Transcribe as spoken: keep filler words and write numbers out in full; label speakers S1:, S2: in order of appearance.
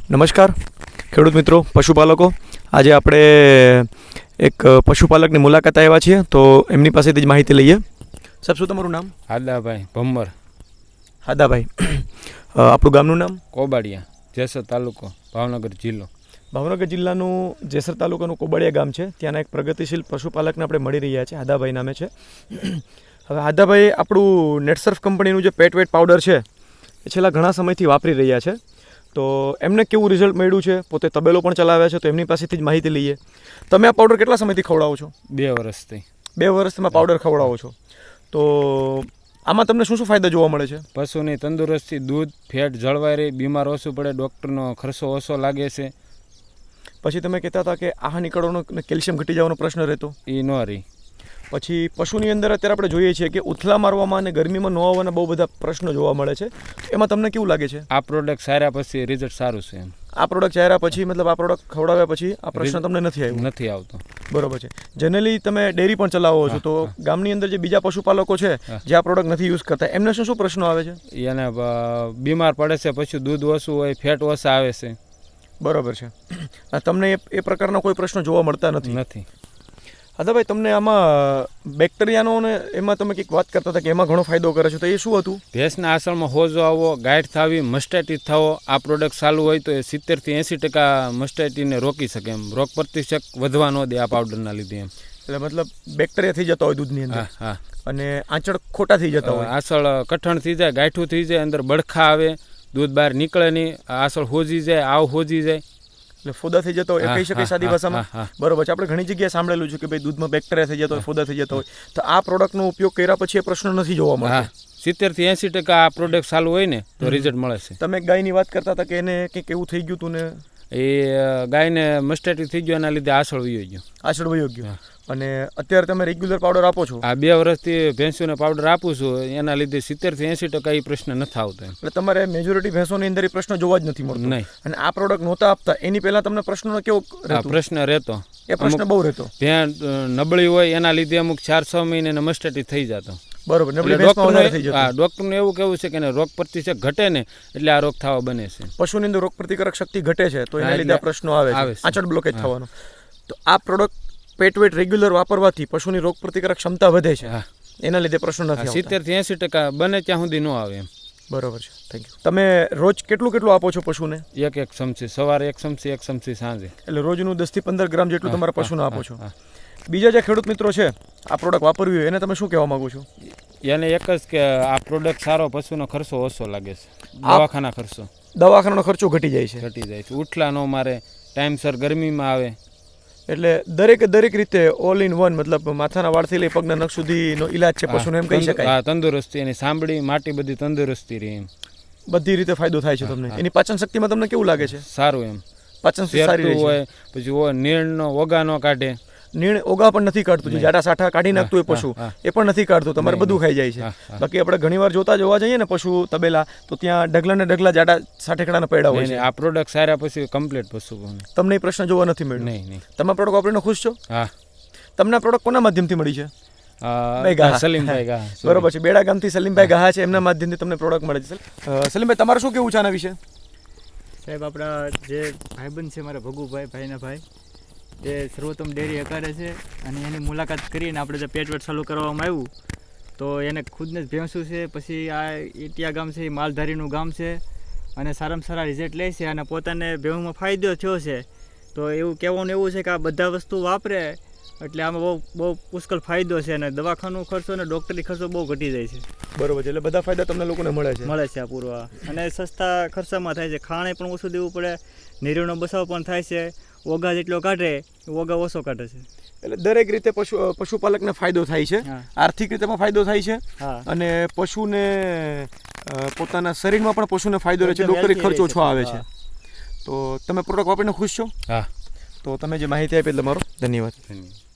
S1: નમસ્કાર ખેડૂત મિત્રો, પશુપાલકો. આજે આપણે એક પશુપાલકની મુલાકાત આવ્યા છીએ, તો એમની પાસેથી જ માહિતી લઈએ. સાહેબ, શું તમારું નામ?
S2: હાદાભાઈ ભમ્મર.
S1: હાદાભાઈ, આપણું ગામનું નામ?
S2: કોબાડિયા, જેસર તાલુકો, ભાવનગર જિલ્લો.
S1: ભાવનગર જિલ્લાનું જેસર તાલુકાનું કોબાડિયા ગામ છે. ત્યાંના એક પ્રગતિશીલ પશુપાલકને આપણે મળી રહ્યા છે. હાદાભાઈ નામે છે. હવે હાદાભાઈ આપણું નેટસર્ફ કંપનીનું જે પેટ વેટ પાવડર છે એ છેલ્લા ઘણા સમયથી વાપરી રહ્યા છે. તો એમને કેવું રિઝલ્ટ મળ્યું છે, પોતે તબેલો પણ ચલાવ્યા છે, તો એમની પાસેથી જ માહિતી લઈએ. તમે આ પાવડર કેટલા સમયથી ખવડાવો છો?
S2: બે વર્ષથી.
S1: બે વર્ષથી તમે પાવડર ખવડાવો છો. તો આમાં તમને શું શું ફાયદા જોવા મળે છે?
S2: પશુની તંદુરસ્તી, દૂધ, ફેટ જળવાઈ રહે, બીમાર ઓછું પડે, ડૉક્ટરનો ખર્ચો ઓછો લાગે છે.
S1: પછી તમે કહેતા હતા કે આહાર નીકળવાનો કેલ્શિયમ ઘટી જવાનો પ્રશ્ન રહેતો,
S2: એ ન રહી.
S1: પછી પશુની અંદર અત્યારે આપણે જોઈએ છીએ કે ઉથલા મારવામાં અને ગરમીમાં ન આવવાના બહુ બધા પ્રશ્નો જોવા મળે છે. એમાં તમને કેવું લાગે છે?
S2: આ પ્રોડક્ટ સાર્યા પછી રિઝલ્ટ સારું છે. એમ
S1: આ પ્રોડક્ટ ચાર્યા પછી, મતલબ આ પ્રોડક્ટ ખવડાવ્યા પછી આ પ્રશ્ન તમને નથી આવ્યો?
S2: નથી આવતો.
S1: બરોબર છે. જનરલી તમે ડેરી પણ ચલાવો છો, તો ગામની અંદર જે બીજા પશુપાલકો છે જે આ પ્રોડક્ટ નથી યુઝ કરતા, એમને શું શું પ્રશ્નો આવે છે?
S2: એને બીમાર પડે છે, પછી દૂધ ઓછું હોય, ફેટ ઓછા આવે છે.
S1: બરોબર છે. તમને એ પ્રકારના કોઈ પ્રશ્નો જોવા મળતા નથી?
S2: નથી.
S1: હાદાભાઈ, તમને આમાં બેક્ટેરિયાનો ને એમાં તમે કંઈક વાત કરતા હતા કે એમાં ઘણો ફાયદો કરે છે, તો એ શું હતું?
S2: ભેંસના આસળમાં હોજો આવવો, ગાંઠ થવી, મસ્ટાઇટિસ થવો, આ પ્રોડક્ટ ચાલુ હોય તો એ સિત્તેરથી એંસી ટકા મસ્ટાઇટિસને રોકી શકે. એમ રોગ પ્રતિશક વધવા ન દે આ પાવડરના લીધે. એમ એટલે
S1: મતલબ બેક્ટેરિયા થઈ જતા હોય દૂધની અંદર.
S2: હા હા.
S1: અને આંચળ ખોટા થઈ જતા હોય,
S2: આસળ કઠણ થઈ જાય, ગાંઠું થઈ જાય, અંદર બળખા આવે, દૂધ બહાર નીકળે નહીં, આસળ હોજી જાય, આવ હોજી જાય,
S1: એટલે ફોદા થઈ જતો હોય, એ કહી શકાય સાદી ભાષામાં. બરોબર છે. આપણે ઘણી જગ્યાએ સાંભળેલું છે કે ભાઈ દૂધમાં બેક્ટેરિયા થઈ જતો હોય, ફોદા થઈ જતો હોય, તો આ પ્રોડક્ટનો ઉપયોગ કર્યા પછી એ પ્રશ્ન નથી જોવા મળતો.
S2: સિત્તેર થી એંસી ટકા આ પ્રોડક્ટ ચાલુ હોય ને તો રિઝલ્ટ મળે છે.
S1: તમે ગાયની વાત કરતા હતા કે એને કંઈક એવું થઈ ગયું હતું ને?
S2: એ ગાયને મસ્ટાઇટિસ થઈ ગયો, એના લીધે આસળ વયો ગયો.
S1: આસળ વયો ગયો. અને અત્યારે તમે રેગ્યુલર પાવડર આપો છો?
S2: આ બે વર્ષથી ભેંસોને પાવડર આપું છું, એના લીધે સિત્તેર થી એંસી ટકા એ પ્રશ્ન નથી આવતો.
S1: એટલે તમારે મેજોરિટી ભેંસોની અંદર એ પ્રશ્ન જોવા જ નથી મળતો?
S2: નહીં. અને
S1: આ પ્રોડક્ટ નહોતા આપતા એની પહેલા તમને પ્રશ્નનો કેવો
S2: પ્રશ્ન રહેતો?
S1: એ પ્રશ્ન બહુ રહેતો.
S2: ભેં નબળી હોય એના લીધે અમુક ચાર છ મહિને મસ્ટાઇટિસ થઈ જતો.
S1: બરોબર.
S2: ડોક્ટરનું એવું કેવું છે કે રોગ પ્રતિશક ઘટે ને એટલે આ રોગ થવા બને છે.
S1: પશુની અંદર રોગ પ્રતિકારક શક્તિ ઘટે છે, તો એના લીધે આ પ્રશ્નો આવે છે, આંચળ બ્લોકેજ થવાનો. તો આ પ્રોડક્ટ પેટવેટ રેગ્યુલર વાપરવાથી પશુની રોગ પ્રતિકારક ક્ષમતા વધે છે, એના લીધે પ્રશ્નો નથી.
S2: સિત્તેર થી એંસી ટકા બને ત્યાં સુધી ન આવે. એમ
S1: બરોબર છે. Thank you. તમે રોજ કેટલું કેટલું આપો છો પશુને?
S2: એક એક ચમચી સવારે, એક ચમચી, એક ચમચી સાંજે.
S1: એટલે રોજનું દસ થી પંદર ગ્રામ જેટલું તમારા પશુને આપો છો. બીજા જે ખેડૂત મિત્રો છે આ પ્રોડક્ટ વાપરવી હોય એને તમે શું કહેવા માંગો છો?
S2: એને એક જ કે આ પ્રોડક્ટ સારો, પશુનો ખર્ચો ઓછો લાગે છે. દવાખાના ખર્ચો
S1: દવાખાનાનો ખર્ચો ઘટી જાય છે.
S2: ઘટી જાય છે. ઉઠલા નો મારે, ટાઈમસર ગરમીમાં આવે,
S1: એટલે દરેક દરેક રીતે ઓલ ઇન વન, મતલબ માથાના વાળથી લઈ પગના નખ સુધીનો ઈલાજ છે પશુને, એમ કહી શકાય.
S2: હા, તંદુરસ્તી, એની સાંભળી માટી બધી તંદુરસ્તી રહે. એમ
S1: બધી રીતે ફાયદો થાય છે તમને. એની પાચન શક્તિમાં તમને કેવું લાગે છે?
S2: સારું. એમ
S1: પાચન શક્તિ સારી
S2: હોય. પછી નીણનો ઓગા નો કાઢે.
S1: નીણ ઓગા પણ નથી કાઢતું, જે જાડા સાઠા કાઢી નાખતું હોય પશુ એ પણ નથી કાઢતું, તમારે બધું ખાઈ જાય છે. બાકી આપણે ઘણી વાર જોતા જોવા જઈએ ને પશુ તબેલા, તો ત્યાં ઢગલા ને ઢગલા જાડા સાઠેકડાના પૈડા હોય છે.
S2: આ પ્રોડક્ટ સારા પછી કમ્પ્લીટ પશુ.
S1: તમને એ પ્રશ્ન જોવા નથી મળ્યો?
S2: નહીં નહીં.
S1: તમે પ્રોડક્ટ વાપરીને ખુશ છો?
S2: હા.
S1: તમને આ પ્રોડક્ટ કોના માધ્યમથી મળી છે?
S2: સલીમભાઈ ગા.
S1: બરોબર છે. બેડા ગામથી સલીમભાઈ ગા છે, એમના માધ્યમથી તમને પ્રોડક્ટ મળે છે. સલીમભાઈ, તમારે શું કેવું છે આના વિશે?
S3: સાહેબ, આપણા જે ભાઈબંધ છે મારા ભગુભાઈ, ભાઈના ભાઈ, તે સર્વોત્તમ ડેરી હકારે છે, અને એની મુલાકાત કરીને આપણે જે પેટવેટ ચાલુ કરવામાં આવ્યું તો એને ખુદને જ ભેંસું છે, પછી આ ઇટિયા ગામ છે એ માલધારીનું ગામ છે, અને સારામાં સારા રિઝલ્ટ લે છે, અને પોતાને ભેંસમાં ફાયદો થયો છે. તો એવું કહેવાનું એવું છે કે આ બધા વસ્તુ વાપરે એટલે આમાં બહુ બહુ પુષ્કળ ફાયદો છે, અને દવાખાનો ખર્ચો અને ડૉક્ટરી ખર્ચો બહુ ઘટી જાય છે.
S1: બરોબર છે. એટલે બધા ફાયદા તમને લોકોને મળે છે?
S3: મળે છે આ પૂરવા, અને સસ્તા ખર્ચામાં થાય છે. ખાણે પણ ઓછું દેવું પડે, નીરવનો બસાવ પણ થાય છે, ઓગા જેટલો કાઢે ઓગા ઓછો કાઢે છે.
S1: એટલે દરેક રીતે પશુ પશુપાલકને ફાયદો થાય છે, આર્થિક રીતે પણ ફાયદો થાય છે, અને પશુને પોતાના શરીરમાં પણ પશુને ફાયદો રહે છે, ડૉક્ટરી ખર્ચો ઓછો આવે છે. તો તમે પ્રોડક્ટ વાપરીને ખુશ છો?
S2: હા.
S1: તો તમે જે માહિતી આપી તમારો ધન્યવાદ.
S2: ધન્યવાદ.